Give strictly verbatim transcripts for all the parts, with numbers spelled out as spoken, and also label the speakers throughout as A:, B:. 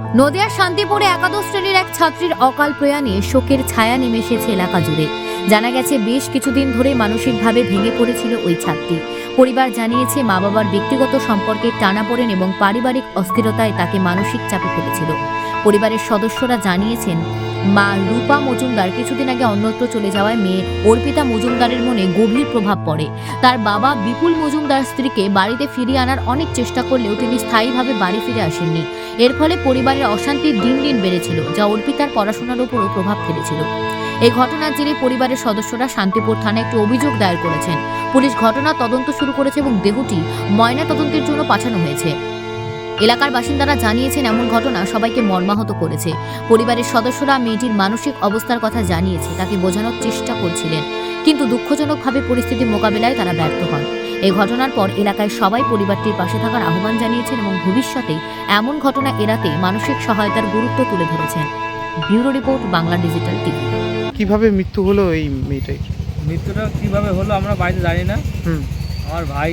A: নদিয়ার শান্তিপুরে একাদশ শ্রেণীর এক ছাত্রীর অকাল প্রয়াণে শোকের ছায়া নেমে এসেছে এলাকা জুড়ে। জানা গেছে বেশ কিছুদিন ধরে মানসিকভাবে ভেঙে পড়েছিল ওই ছাত্রী। পরিবার জানিয়েছে মা বাবার ব্যক্তিগত সম্পর্কের টানাপোড়েন এবং পারিবারিক অস্থিরতায় তাকে মানসিক চাপে ফেলেছিল। পরিবারের সদস্যরা জানিয়েছেন মা রূপা মজুমদার কিছুদিন আগে অন্যত্র চলে যাওয়ায় মেয়ে অর্পিতা মজুমদারের মনে গভীর প্রভাব পড়ে। তার বাবা বিপুল মজুমদার স্ত্রীকে বাড়িতে ফিরিয়ে আনার অনেক চেষ্টা করলেও তিনি স্থায়ীভাবে বাড়ি ফিরে আসেননি। এর ফলে পরিবারের অশান্তি দিন দিন বেড়েছিল, যা অর্পিতার পড়াশোনার উপরও প্রভাব ফেলেছিল। এই ঘটনার জেরে পরিবারের সদস্যরা শান্তিপুর থানায় একটি অভিযোগ দায়ের করেছেন। পুলিশ ঘটনার তদন্ত শুরু করেছে এবং দেহটি ময়না তদন্তের জন্য পাঠানো হয়েছে। এলাকার বাসিন্দারা জানিয়েছেন এমন ঘটনা সবাইকে মর্মাহত করেছে। পরিবারের সদস্যরা মেয়েটির মানসিক অবস্থার কথা জানিয়েছে, তাকে বোঝানোর চেষ্টা করছিলেন, কিন্তু দুঃখজনকভাবে পরিস্থিতি মোকাবিলায় তারা ব্যর্থ হন। এই ঘটনার পর এলাকায় সবাই পরিবারটির পাশে থাকার আহ্বান জানিয়েছেন এবং ভবিষ্যতে এমন ঘটনা এড়াতে মানসিক সহায়তার গুরুত্ব তুলে ধরেছেন। Bureau report, Bangla digital TV.
B: কিভাবে মৃত্যু হলো এই মেয়েটাই?
C: মৃত্যুটা কিভাবে হলো আমরা বাড়িতে জানি না।
B: হুম
C: আমার ভাই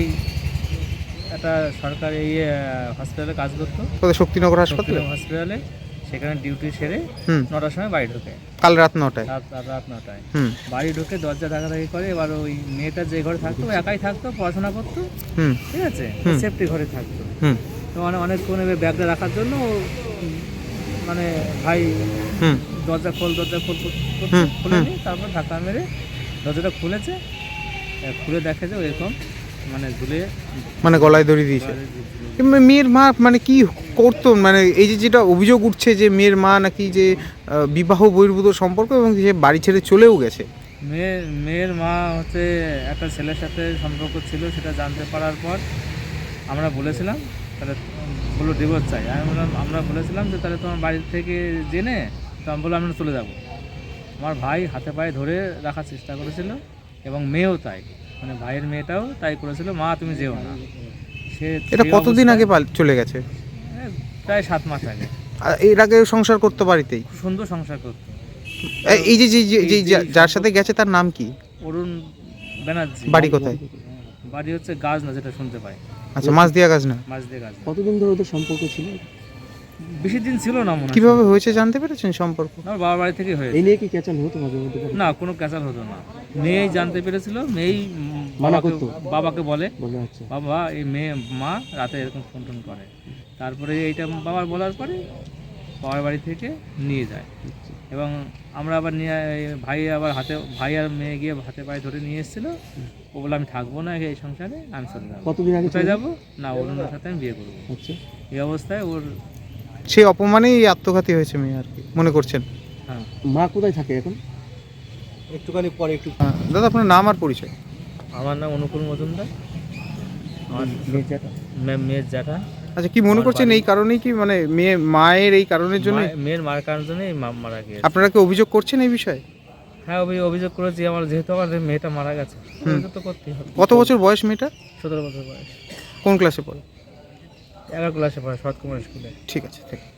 C: একটা সরকারি ইয়ে হসপিটালে কাজ করতো,
B: কোথায়? শক্তিনগর হাসপাতালে?
C: হসপিটালে সেখানে ডিউটি সেরে
B: হুম
C: নটার সময় বাড়ি ঢোকে,
B: কাল রাত নটায়।
C: রাত রাত রাত নটায়
B: হুম
C: বাড়ি ঢুকে দরজা ধাক্কাধাক্কি করে। এবার ওই মেয়েটা যে ঘরে থাকতো ও একাই থাকতো, পড়াশোনা করতো,
B: হুম
C: ঠিক আছে,
B: হুম।
C: সেফটি ঘরে থাকতো।
B: হুম
C: তো মানে অনেকক্ষণ এবার ব্যাগটা রাখার জন্য ও মানে ভাই
B: হুম
C: দরজা খোল দরজা খোল করতে
B: হুম,
C: খুলেনি। তারপর ধাক্কা মেরে দরজাটা খুলেছে, এ, খুলে দেখে যে এরকম মানে ঝুলে
B: মানে গলায় দড়ি দিয়েছে। এমনি মেয়ের মা মানে কি করতো? মানে এই যে যেটা অভিযোগ উঠছে যে মেয়ের মা নাকি যে আহ, বিবাহ বহির্ভূত সম্পর্ক এবং সে বাড়ি ছেড়ে চলেও গেছে।
C: মেয়ের মেয়ের মা হচ্ছে একটা ছেলের সাথে সম্পর্ক ছিল, সেটা জানতে পারার পর আমরা বলেছিলাম তাহলে বললো ডিভোর্স চাই। আমি বললাম আমরা বলেছিলাম যে তাহলে তোমার বাড়ি থেকে জেনে তো আমি বললাম আমরা চলে যাব। আমার ভাই হাতে পায়ে ধরে রাখার চেষ্টা করেছিল এবং মেয়েও তাই, মানে ভাইয়ের মেয়েটাও তাই করেছিল, মা তুমি যেও না। সে
B: এটা
C: সেই
B: কতদিন আগে
C: অবস্থায়-
B: পাল- চলে গেছে?
C: এ, প্রায় সাত মাস আগে।
B: আর এর আগে সংসার করতো বাড়িতেই?
C: খুব সুন্দর সংসার করতো।
B: এ- এই যে যে- যে- যে- যা- যার সাথে গেছে তার নাম কি?
C: অরুণ ব্যানার্জি।
B: বাড়ি কোথায়?
C: বাড়ি হচ্ছে গাছ না, যেটা শুনতে পাই,
B: আচ্ছা, মাছ দিয়া গাছ না।
C: মাছ দিয়ে গাছ।
D: কতদিন ধরে ওদের সম্পর্ক ছিল?
C: বেশি দিন ছিল না মনে হয়।
B: কিভাবে হয়েছে জানতে পেরেছেন সম্পর্ক?
C: আমার বাবার বাড়ি থেকে হয়েছে।
D: এই নিয়ে কি ক্যাচাল হতো মাঝে মধ্যে?
C: না, কোনো ক্যাচাল হতো না। মেয়েই জানতে পেরেছিল, মেয়েই উম,
D: মানা
C: বাবাকে-
D: করতো?
C: বাবাকে বলে
D: বলে আচ্ছা
C: বাবা এই মেয়ে মা রাতে এরকম ফোন টোন করে। তারপরে এইটা বাবার বলার পরে বাবার বাড়ি থেকে নিয়ে যায় এবং আমরা আবার নিয়ে ভাই আবার হাতে ভাই আর মেয়ে গিয়ে হাতে পায়ে ধরে নিয়ে এসেছিলো। ও বলে আমি থাকবো না এই সংসারে, আমি চলে যাবো।
D: কতদিন আগে
C: কোথায়
D: চলে
C: যাবো না, অরুণের সাথে আমি বিয়ে করবো।
D: আচ্ছা
C: এই অবস্থায় ওর
B: সেই অপমানেই এই আত্মঘাতী হয়েছে মেয়ে আর কি মনে করছেন?
C: হ্যাঁ
D: মা কোথায় থাকে এখন?
C: একটুখানি পরে একটু।
B: হ্যাঁ, দাদা আপনার নাম আর পরিচয়?
C: আমার নাম অনুকূল মজুমদার, আমার
D: মেয়ের জ্যাঠা?
C: মে- মেয়ের জ্যাঠা।
B: আচ্ছা, কি মনে করছেন এই কারণেই কি মানে মেয়ে মায়ের এই কারণের জন্য
C: মা- মেয়ের মার কারণে জন্য এই মা মারা গিয়েছে।
B: আপনারা কি অভিযোগ করছেন এই বিষয়ে?
C: হ্যাঁ অভি- অভিযোগ করেছি, আমার যেহেতু আমার মেয়েটা মারা গেছে অভিযোগ তো করতেই হবে।
B: কত বছর বয়স মেয়েটা?
C: সতেরো বছর বয়স,
B: কোন ক্লাসে পড়ে?
C: এগারো ক্লাসে পড়ে, সৎ কুমার স্কুলে।
B: ঠিক আছে, ঠিক আছে।